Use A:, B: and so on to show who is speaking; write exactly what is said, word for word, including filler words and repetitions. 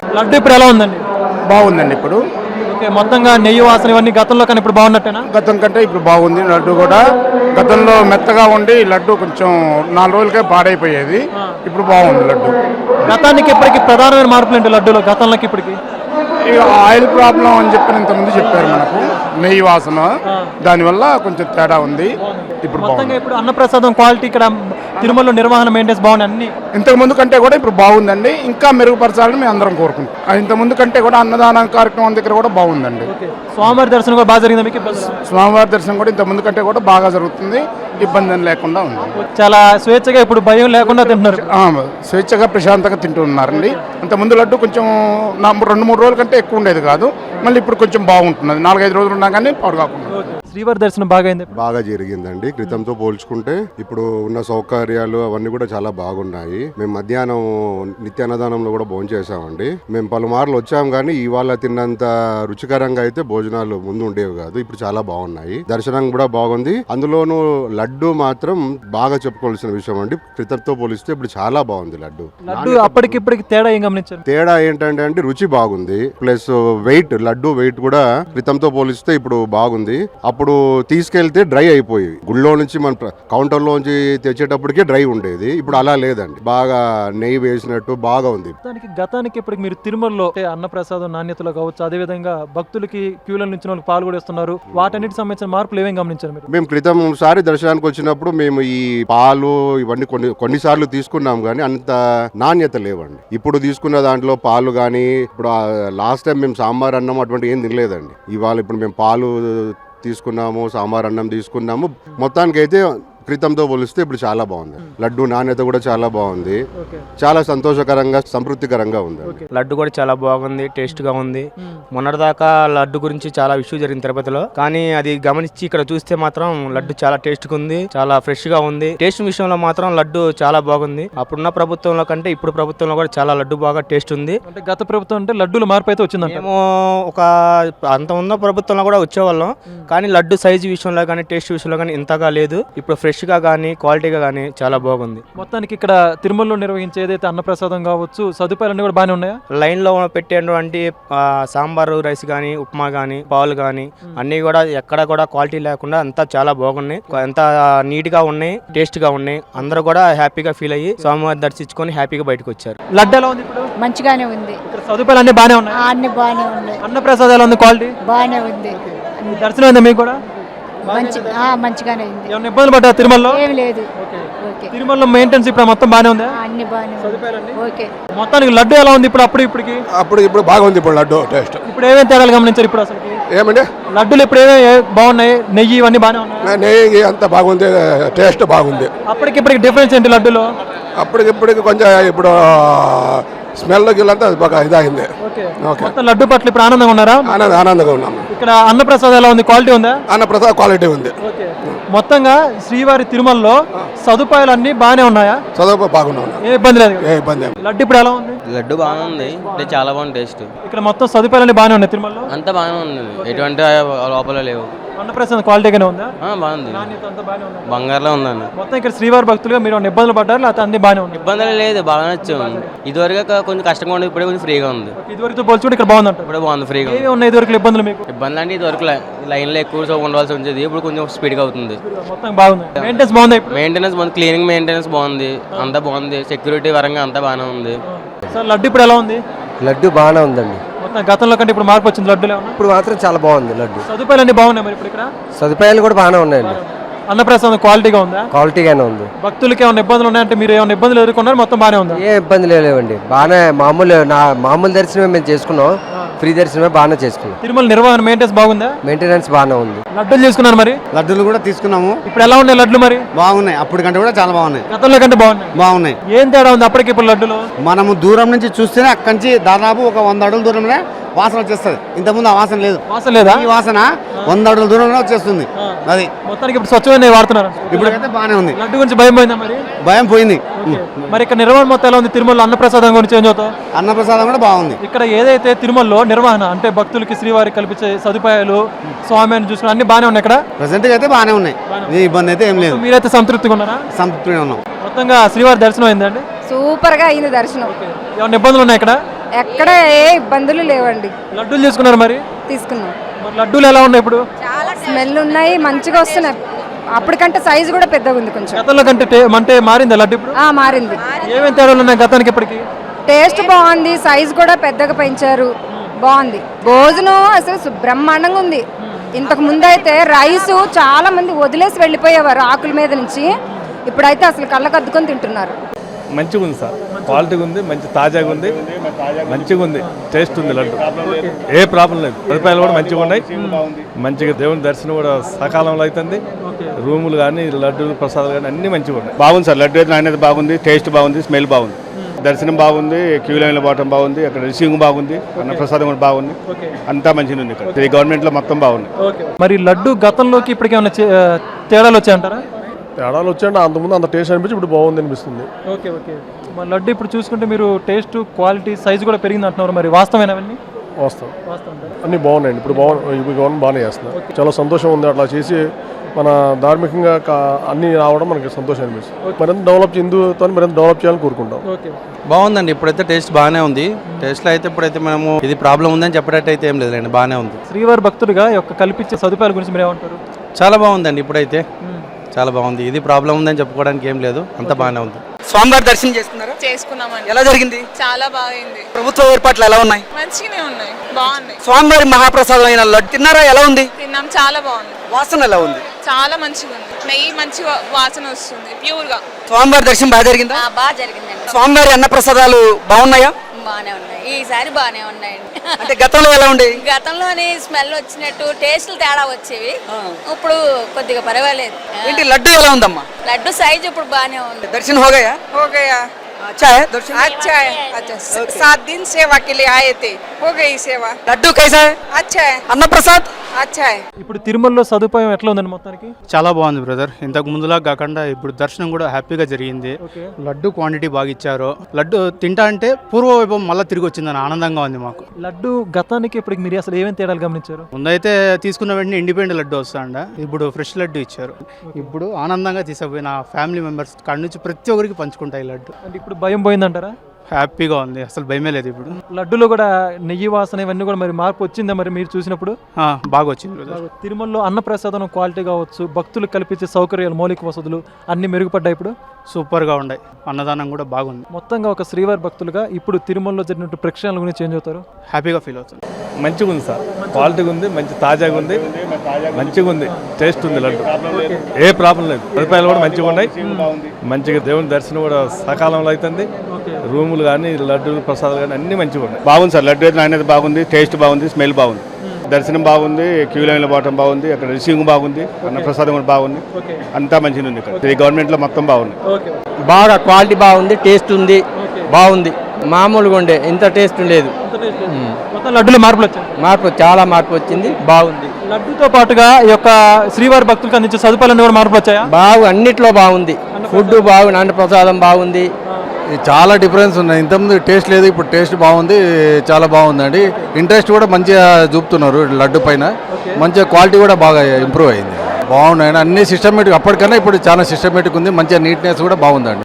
A: లడ్డు ఇప్పుడు ఎలా ఉందండి?
B: బాగుందండి ఇప్పుడు.
A: ఓకే, మొత్తంగా నెయ్యి వాసన ఇవన్నీ గతంలో కానీ ఇప్పుడు బాగున్నట్టేనా?
B: గతం కంటే ఇప్పుడు బాగుంది. లడ్డు కూడా గతంలో మెత్తగా ఉండి లడ్డు కొంచెం నాలుగు రోజులకే పాడైపోయేది, ఇప్పుడు బాగుంది లడ్డు.
A: గతానికి ఇప్పటికి ప్రధానమైన మార్పులు ఏంటి లడ్డూలో గతంలోకి ఇప్పటికి?
B: ఇక ఆయిల్ ప్రాబ్లం అని చెప్పి ఇంతకుముందు చెప్పారు మనకు, నెయ్యి వాసన, దానివల్ల కొంచెం తేడా ఉంది. ఇప్పుడు
A: మొత్తంగా ఇప్పుడు అన్నప్రసాదం క్వాలిటీ ఇక్కడ తిరుమలలో నిర్వహణ మెయింటెన్స్ బాగున్నాయి అన్ని
B: ఇంతకు ముందు కంటే కూడా ఇప్పుడు బాగుందండి. ఇంకా మెరుగుపరచాలని మేము అందరం కోరుకుంటాం. ఇంత ముందు కంటే కూడా అన్నదాన కార్యక్రమం దగ్గర కూడా బాగుందండి.
A: స్వామివారి దర్శనం కూడా బాగా జరిగింది మీకు?
B: స్వామివారి దర్శనం కూడా ఇంత ముందు కంటే కూడా బాగా జరుగుతుంది, ఇబ్బంది లేకుండా ఉంది.
A: చాలా స్వేచ్ఛగా ఇప్పుడు భయం లేకుండా తింటున్నారు.
B: స్వేచ్ఛగా ప్రశాంతంగా తింటున్నారండి. అంత ముందు లడ్డు కొంచెం రెండు మూడు రోజుల కంటే ఎక్కువ ఉండేది కాదు, మళ్ళీ ఇప్పుడు కొంచెం బాగుంటున్నది. నాలుగైదు రోజులు ఉన్నా కానీ పాడు కాకుండా.
A: శ్రీవారి దర్శనం బాగా అయింది?
C: బాగా జరిగిందండి. క్రితంతో పోల్చుకుంటే ఇప్పుడు ఉన్న సౌకర్యాలు అవన్నీ కూడా చాలా బాగున్నాయి. మేము మధ్యాహ్నం నిత్య అన్నదానంలో కూడా భోజనం చేసామండి. మేము పలుమార్లు వచ్చాం కానీ ఇవాళ తిన్నంత రుచికరంగా అయితే భోజనాలు ముందు ఉండేవి కాదు, ఇప్పుడు చాలా బాగున్నాయి. దర్శనం కూడా బాగుంది. అందులోనూ లడ్డు మాత్రం బాగా చెప్పుకోవాల్సిన విషయం అండి. క్రితంతో పోలిస్తే ఇప్పుడు చాలా బాగుంది లడ్డు.
A: లడ్డు అప్పటికిప్పటికి తేడా ఏం గమనించారు?
C: తేడా ఏంటంటే అండి రుచి బాగుంది, ప్లస్ వెయిట్, లడ్డు వెయిట్ కూడా క్రితంతో పోలిస్తే ఇప్పుడు బాగుంది. అప్పుడు తీసుకెళ్తే డ్రై అయిపోయి గుళ్ళో నుంచి మన కౌంటర్ లోంచి తెచ్చేటప్పటికే డ్రై ఉండేది, ఇప్పుడు అలా లేదండి. బాగా నెయ్యి వేసినట్టు బాగా ఉంది.
A: గతానికి ఇప్పటికి మీరు తిరుమలలో అన్నప్రసాదం నాణ్యతలో కావచ్చు, అదే విధంగా భక్తులకి క్యూల నుంచి వాళ్ళకి పాలు కూడా ఇస్తున్నారు, వాటన్నిటి సంబంధించిన మార్పులు ఏమేమి గమనించారు మీరు?
C: మేము క్రితం సారి దర్శనానికి వచ్చినప్పుడు మేము ఈ పాలు ఇవన్నీ కొన్ని కొన్నిసార్లు తీసుకున్నాం కానీ అంత నాణ్యత లేవండి. ఇప్పుడు తీసుకున్న దాంట్లో పాలు కానీ, ఇప్పుడు లాస్ట్ టైం మేము సాంబార్ అన్నం అటువంటి ఏం తినలేదండి. ఇవాళ ఇప్పుడు మేము పాలు తీసుకున్నాము, సాంబార్ అన్నం తీసుకున్నాము. మొత్తానికి అయితే క్రితంతో పోలిస్తే ఇప్పుడు చాలా బాగుంది. లడ్డు నాణ్యత కూడా చాలా బాగుంది, చాలా సంతోషకరంగా సంతృప్తికరంగా ఉంది.
D: లడ్డు కూడా చాలా బాగుంది, టేస్ట్ గా ఉంది. మొన్నటిదాకా లడ్డు గురించి చాలా ఇష్యూ జరిగింది తిరుపతిలో, కానీ అది గమనించి ఇక్కడ చూస్తే మాత్రం లడ్డు చాలా టేస్ట్ గా ఉంది, చాలా ఫ్రెష్ గా ఉంది. టేస్ట్ విషయంలో మాత్రం లడ్డు చాలా బాగుంది. అప్పుడున్న ప్రభుత్వంలో కంటే ఇప్పుడు ప్రభుత్వంలో కూడా చాలా లడ్డు బాగా టేస్ట్ ఉంది.
A: అంటే గత ప్రభుత్వం అంటే లడ్డూల మార్పు అయితే వచ్చింది.
D: మేము ఒక అంత ఉన్న ప్రభుత్వంలో కూడా వచ్చేవాళ్ళం, కానీ లడ్డు సైజు విషయంలో కానీ టేస్ట్ విషయంలో కానీ ఇంతగా లేదు. ఇప్పుడు ఫ్రెష్ గా కానీ క్వాలిటీగా కానీ చాలా బాగుంది.
A: మొత్తానికి ఇక్కడ తిరుమలలో నిర్వహించే ఏదైతే అన్నప్రసాదం కావచ్చు, సదుపాయాలన్నీ కూడా బాగానే ఉన్నాయా?
D: లైన్ లో పెట్టేటువంటి సాంబారు రైస్ కానీ, ఉప్మా కానీ, పాలు కానీ అన్ని కూడా ఎక్కడ కూడా క్వాలిటీ లేకుండా అంతా చాలా బాగున్నాయి, ఎంత నీట్ గా ఉన్నాయి, టేస్ట్ గా ఉన్నాయి. అందరూ కూడా హ్యాపీగా ఫీల్ అయ్యి స్వామివారి దర్శించుకొని హ్యాపీగా బయటకు వచ్చారు.
A: లడ్డు ఎలా ఉంది ఇప్పుడు?
E: మంచిగానే ఉంది.
A: ఇక్కడ సదుపాయాలు అన్ని బాగానే ఉన్నాయి?
E: అన్ని బాగానే ఉన్నాయి.
A: అన్నప్రసాదం ఎలా ఉంది? క్వాలిటీ
E: బాగానే ఉంది.
A: దర్శనం అయిందా మీకు కూడా?
E: మంచిగానే ఉంది.
A: ఏమైనా ఇబ్బందులు పడ్డా తిరుమలలో?
E: ఏం లేదు.
A: తిరుమలలో మెయింటెనెన్స్ ఇప్పుడు మొత్తం బాగానే ఉందా?
E: అన్ని బాగానే ఓకే.
A: మొత్తానికి లడ్డు ఎలా ఉంది ఇప్పుడు? అప్పుడు ఇప్పటికి
B: అప్పుడు ఇప్పుడు బాగుంది. ఇప్పుడు లడ్డు టేస్ట్
A: ఇప్పుడు ఏమేమి తేడాలు గమనించారు ఇప్పుడు? అసలు
B: ఏమండి
A: లడ్డూలు ఇప్పుడు ఏమేమి బాగున్నాయి? నెయ్యి ఇవన్నీ బాగానే ఉన్నాయి?
B: నెయ్యి అంత బాగుంది, టేస్ట్ బాగుంది.
A: అప్పటికి ఇప్పటికి డిఫరెన్స్ ఏంటి లడ్డులో?
B: అప్పటికి ఇప్పటికి కొంచెం ఇప్పుడు స్మెల్ గిల్లంతా బాగా ఇదైంది.
A: లడ్డు పట్ల ఇప్పుడు ఆనందంగా ఉన్నారా?
B: ఆనందంగా ఉన్నాము.
A: ఇక్కడ అన్నప్రసాదం ఎలా ఉంది? క్వాలిటీ ఉందా?
B: అన్నప్రసాదం క్వాలిటీ ఉంది.
A: మొత్తంగా శ్రీవారి తిరుమలలో సదుపాయాలు అన్ని బాగానే ఉన్నాయా?
B: సదుపాయాలు బాగున్నాయి,
A: ఏ ఇబ్బంది లేదు.
B: ఏ ఇబ్బంది.
A: లడ్డు ఇప్పుడు ఎలా ఉంది?
D: లడ్డు బాగానే ఉంది, చాలా బాగుంది టేస్ట్.
A: ఇక్కడ మొత్తం సదుపాయాలు బాగానే ఉన్నాయి తిరుమలలో?
D: అంతా బాగానే ఉంది, ఎటువంటి లోపల లేవు.
A: అన్నప్రసాదం క్వాలిటీగానే ఉందా?
D: బాగుంది, బంగారులో ఉందండి.
A: మొత్తం ఇక్కడ శ్రీవారి భక్తులుగా మీరు ఇబ్బందులు పడ్డారు, లేకపోతే అన్ని బాగానే ఉంది?
D: ఇబ్బందులు లేదు, బాగా నచ్చాము. ఇదివరకు కొంచెం కష్టంగా ఉంది, ఇప్పుడే కొంచెం ఫ్రీగా ఉంది.
A: ఇదివరకు పోల్చుకుంటే ఇక్కడ బాగుంది అంట?
D: ఇప్పుడు బాగుంది, ఫ్రీగా
A: ఉన్నాయి. ఇదివరకు ఇబ్బందులు మీకు?
D: ఇబ్బంది అంటే ఇదివరకు లైన్ లో ఎక్కువ ఉండవలసి వచ్చేది, ఇప్పుడు కొంచెం స్పీడ్ గా అవుతుంది.
A: మొత్తం బాగుంది. మెయింటెనెన్స్ బాగుంది?
D: మెయింటెనెన్స్ బాగుంది, క్లీనింగ్ మెయింటెనెన్స్ బాగుంది, అంతా బాగుంది. సెక్యూరిటీ పరంగా అంతా బాగానే ఉంది.
A: సార్ లడ్డు ఇప్పుడు ఎలా ఉంది?
F: లడ్డు బాగానే ఉందండి.
A: మొత్తం గతంలో కంటే ఇప్పుడు మార్పు వచ్చింది లడ్డులో?
F: ఇప్పుడు మాత్రం చాలా బాగుంది లడ్డు.
A: సదుపాయాలు అన్ని బాగున్నాయి మరి ఇప్పుడు ఇక్కడ?
F: సదుపాయాలు కూడా బాగానే ఉన్నాయండి.
A: అన్నప్రసాదం క్వాలిటీగా ఉందా?
F: క్వాలిటీగానే ఉంది.
A: భక్తులకి ఏమైనా ఇబ్బందులు ఉన్నాయంటే మీరు ఏమైనా ఇబ్బందులు ఎదుర్కొన్నారు? మొత్తం బాగానే ఉందా?
F: ఏ ఇబ్బందులు లేవండి, బాగానే మామూలు నా మామూలు దర్శనమే మేము చేసుకున్నాం, ఫ్రీ దర్శనమే బాగానే చేసుకున్నాం.
A: తిరుమల నిర్వహణ మెయింటెనెన్స్ బాగుందా?
F: మెయింటెనెన్స్ బాగానే ఉంది.
A: లడ్డూలు తీసుకున్నారు మరి?
G: లడ్డూలు కూడా తీసుకున్నాము.
A: ఇప్పుడు ఎలా ఉన్నాయి లడ్లు మరి?
G: బాగున్నాయి, అప్పటి కంటే కూడా చాలా బాగున్నాయి.
A: గతంలో కంటే బాగున్నాయి?
G: బాగున్నాయి.
A: ఏం తేడా ఉంది అప్పటికి ఇప్పుడు లడ్డులో?
G: మనము దూరం నుంచి చూస్తేనే అక్కడి నుంచి దాదాపు ఒక వంద అడుగుల దూరంలో వాసన వచ్చేస్తుంది. ఇంతకుముందు ఆ వాసన లేదు.
A: వాసన లేదా?
G: ఈ వాసన వంద అడుగుల దూరంలో వచ్చేస్తుంది. అది
A: మొత్తానికి ఇప్పుడు స్వచ్ఛమైన వాడుతున్నారు.
G: ఇప్పుడైతే బాగానే ఉంది.
A: లడ్డు గురించి భయం పోయిందా మరి?
G: భయం పోయింది.
A: మరి ఇక్కడ నిర్వహణ మొత్తం ఎలా ఉంది? తిరుమల అన్నప్రసాదం గురించి ఏం చదువుతావు?
G: అన్నప్రసాదం కూడా బాగుంది.
A: ఇక్కడ ఏదైతే తిరుమలలో నిర్వహణ అంటే భక్తులకి శ్రీవారికి కల్పించే సదుపాయాలు, స్వామిని చూసుకుని అన్ని బాగానే ఉన్నాయి ఇక్కడ?
G: ప్రెసెంట్ గా అయితే బాగానే ఉన్నాయి, ఇబ్బంది అయితే ఏం లేదు.
A: మీరైతే సంతృప్తిగా ఉన్నారా?
G: సంతృప్తిగా ఉన్నాం.
A: మొత్తంగా శ్రీవారి దర్శనం అయిందండి?
E: సూపర్ గా అయింది దర్శనం.
A: ఏమైనా ఇబ్బందులు ఉన్నాయి ఇక్కడ?
H: ఎక్కడ ఏ ఇబ్బందులు లేవండి.
A: లడ్డూలు చేసుకున్నారు మరి
H: తీసుకున్నాం.
A: మరి లడ్డూలు ఎలా ఉన్నాయి ఇప్పుడు?
H: స్మెల్ ఉన్నాయి, మంచిగా వస్తున్నాయి. అప్పటికంటే సైజు కూడా పెద్దగా ఉంది కొంచెం.
A: గతంలో కంటే టే- అంటే మారిందా లడ్డు ఇప్పుడు?
H: ఆ, మారింది.
A: ఏమేమి తేడాలు ఉన్నాయి గతానికి ఇప్పటికి?
H: టేస్ట్ బాగుంది, సైజు కూడా పెద్దగా పెంచారు, బాగుంది. భోజనం అసలు సు- బ్రహ్మాండంగా ఉంది. ఇంతకు ముందు అయితే రైస్ చాలా మంది వదిలేసి వెళ్ళిపోయేవారు ఆకుల మీద నుంచి, ఇప్పుడైతే అసలు కళ్ళకద్దుకొని తింటున్నారు.
I: మంచిగా ఉంది సార్, క్వాలిటీగా ఉంది, మంచి తాజాగా ఉంది, మంచిగా ఉంది, టేస్ట్ ఉంది లడ్డు, ఏ ప్రాబ్లం లేదు. సదుపాయాలు కూడా మంచిగా ఉన్నాయి, మంచిగా దేవుని దర్శనం కూడా సకాలంలో అవుతుంది. రూములు కానీ లడ్డు ప్రసాదాలు కానీ అన్ని మంచిగా ఉన్నాయి.
J: బాగుంది సార్, లడ్డు అయితే నాణ్యత బాగుంది, టేస్ట్ బాగుంది, స్మెల్ బాగుంది, దర్శనం బాగుంది, క్యూ లైన్లో పోవటం బాగుంది, అక్కడ రిసీవింగ్ బాగుంది, అన్న ప్రసాదం కూడా బాగుంది, అంతా మంచిగా ఉంది. ఇక్కడ ఈ గవర్నమెంట్లో మొత్తం బాగుంది.
A: మరి లడ్డు గతంలోకి ఇప్పటికి ఏమైనా చే- తేడాలు వచ్చాయంటారా?
K: తేడాలు వచ్చాయంటే అంతకుముందు అంత టేస్ట్ అనిపించి ఇప్పుడు బాగుంది అనిపిస్తుంది.
A: ఓకే ఓకే మరి లడ్డు ఇప్పుడు చూసుకుంటే మీరు టేస్ట్, క్వాలిటీ, సైజు కూడా పెరిగింది అంటున్నారు, మరి వాస్తవమైన అవన్నీ?
K: వాస్తవం అన్నీ బాగున్నాయండి. ఇప్పుడు బాగు ఇప్పుడు గవర్నమెంట్ బాగానే చేస్తున్నారు. చాలా సంతోషం ఉంది అట్లా చేసి మన ధార్మికంగా కా- అన్నీ రావడం మనకి సంతోషం అనిపిస్తుంది. మరింత డెవలప్ హిందూతో మరింత డెవలప్ చేయాలని కోరుకుంటాం.
L: బాగుందండి, ఇప్పుడైతే టేస్ట్ బాగానే ఉంది. టేస్ట్లో అయితే ఇప్పుడైతే మనము ఇది ప్రాబ్లం ఉందని చెప్పేటట్టు అయితే ఏం లేదండి, బాగానే ఉంది.
A: శ్రీవారి భక్తుడిగా ఈ యొక్క కల్పించే సదుపాయాల గురించి మీరు ఏమంటారు?
L: చాలా బాగుందండి, ఇప్పుడైతే చాలా బాగుంది. ఇది ప్రాబ్లం ఉందని చెప్పుకోవడానికి ఏం లేదు, అంతా బాగానే ఉంది.
M: స్వామివారి దర్శనం చేసుకున్నారా?
N: చేసుకున్నామండి.
M: ఎలా జరిగింది?
N: చాలా బాగుంది.
M: ప్రభుత్వ ఏర్పాట్లు ఎలా ఉన్నాయి?
N: మంచిగానే ఉన్నాయి, బాగున్నాయి.
M: స్వామివారి మహాప్రసాదం అయిన లడ్డు తిన్నారా? ఎలా ఉంది?
N: తిన్నాం, చాలా బాగుంది.
M: వాసన ఎలా ఉంది?
N: చాలా మంచిగా ఉంది, నెయ్యి మంచి వా- వాసన వస్తుంది, ప్యూర్ గా.
M: స్వామివారి దర్శనం బాగా జరిగిందా?
E: బాగా జరిగిందండి.
M: స్వామివారి అన్న ప్రసాదాలు బాగున్నాయా?
E: బాగానే ఉన్నాయి, ఈసారి బాగానే ఉన్నాయండి.
M: అంటే గతంలో ఎలా ఉండే?
E: గతంలోని స్మెల్ వచ్చినట్టు టేస్ట్లు తేడా వచ్చేవి, ఇప్పుడు కొద్దిగా పర్వాలేదు.
M: ఏంటి లడ్డు ఎలా ఉందమ్మా?
E: లడ్డు సైజు ఇప్పుడు బాగానే ఉంది.
M: దర్శనం हो गया?
N: हो गया.
M: अच्छा है दर्शन?
N: अच्छा है, अच्छा. सात दिन सेवा के लिए आए थे, हो गई सेवा.
M: लड्डू कैसा है?
N: अच्छा है.
M: अन्न प्रसाद
N: अच्छा है.
A: ఇప్పుడు తిరుమలలో సదుపాయం ఎట్లా ఉందండి మొత్తానికి?
D: చాలా బాగుంది బ్రదర్, ఇంతకు ముందులా కాకుండా ఇప్పుడు దర్శనం కూడా హ్యాపీగా జరిగింది.
A: ఓకే.
D: లడ్డు క్వాంటిటీ బాగా ఇచ్చారు. లడ్డు తింటా అంటే పూర్వ వైభవం మళ్ళీ తిరిగి వచ్చిందని ఆనందంగా ఉంది మాకు.
A: లడ్డు గతానికి ఇప్పటికి మీరు అసలు ఏమేమి తేడాలు గమనించారు?
D: ముందైతే తీసుకున్న వెంటనే ఇండిపెండెంట్ లడ్డు వస్తాండ, ఇప్పుడు ఫ్రెష్ లడ్డు ఇచ్చారు. ఇప్పుడు ఆనందంగా తీసుకుపోయిన ఫ్యామిలీ మెంబర్స్ కాడి నుంచి ప్రతి ఒక్కరికి పంచుకుంటాయి లడ్డు.
A: అంటే ఇప్పుడు భయం పోయిందంటారా?
D: హ్యాపీగా ఉంది, అసలు భయమే లేదు ఇప్పుడు.
A: లడ్డులో కూడా నెయ్యి వాసన ఇవన్నీ కూడా మరి మార్పు వచ్చిందా మరి మీరు చూసినప్పుడు?
D: ఆ, బాగా వచ్చింది బ్రదర్.
A: తిరుమలలో అన్నప్రసాదం క్వాలిటీ కావచ్చు, భక్తులకు కల్పించే సౌకర్యాలు, మౌలిక వసతులు అన్ని మెరుగుపడ్డాయి ఇప్పుడు.
D: సూపర్గా ఉన్నాయి, అన్నదానం కూడా బాగుంది.
A: మొత్తంగా ఒక శ్రీవారి భక్తులుగా ఇప్పుడు తిరుమలలో జరిగినట్టు ప్రక్షాళన గురించి చేంజ్ అవుతారు?
D: హ్యాపీగా ఫీల్ అవుతుంది.
I: మంచిగా ఉంది సార్, క్వాలిటీగా ఉంది, మంచి తాజాగా ఉంది, మంచిగా ఉంది, టేస్ట్ ఉంది లడ్డు, ఏ ప్రాబ్లం లేదు. సదుపాయాలు కూడా మంచిగా ఉన్నాయి, మంచిగా దేవుని దర్శనం కూడా సకాలంలో అవుతుంది. రూములు కానీ లడ్డు ప్రసాదాలు కానీ అన్ని మంచిగా ఉన్నాయి.
J: బాగుంది సార్, లడ్డు అయితే నాణ్యత బాగుంది, టేస్ట్ బాగుంది, స్మెల్ బాగుంది, దర్శనం బాగుంది, క్యూ లైన్లో పోవటం బాగుంది, అక్కడ రిసీవింగ్ బాగుంది, అన్న ప్రసాదం కూడా బాగుంది, అంతా మంచిగా ఉంది. ఇక్కడ ఈ గవర్నమెంట్లో మొత్తం బాగుంది.
F: బాగా క్వాలిటీ బాగుంది, టేస్ట్ ఉంది, బాగుంది. మామూలుగా ఉండే ఇంత టేస్ట్ లేదు.
A: మొత్తం లడ్డులో మార్పులు వచ్చాయి.
F: మార్పు చాలా మార్పు వచ్చింది, బాగుంది.
A: లడ్డుతో పాటుగా ఈ యొక్క శ్రీవారి భక్తులకు అందించే సదుపాయాలన్నీ కూడా మార్పులు వచ్చాయా?
F: బాగు అన్నిట్లో బాగుంది, ఫుడ్ బాగుంది, అన్న ప్రసాదం బాగుంది.
K: చాలా డిఫరెన్స్ ఉన్నాయి. ఇంతకుముందు టేస్ట్ లేదు, ఇప్పుడు టేస్ట్ బాగుంది, చాలా బాగుందండి. ఇంట్రెస్ట్ కూడా మంచిగా చూపుతున్నారు లడ్డు పైన, మంచిగా క్వాలిటీ కూడా బాగా ఇంప్రూవ్ అయింది. బాగున్నాయండి అన్ని సిస్టమేటిక్, అప్పటికన్నా ఇప్పుడు చాలా సిస్టమేటిక్ ఉంది, మంచిగా నీట్నెస్ కూడా బాగుందండి.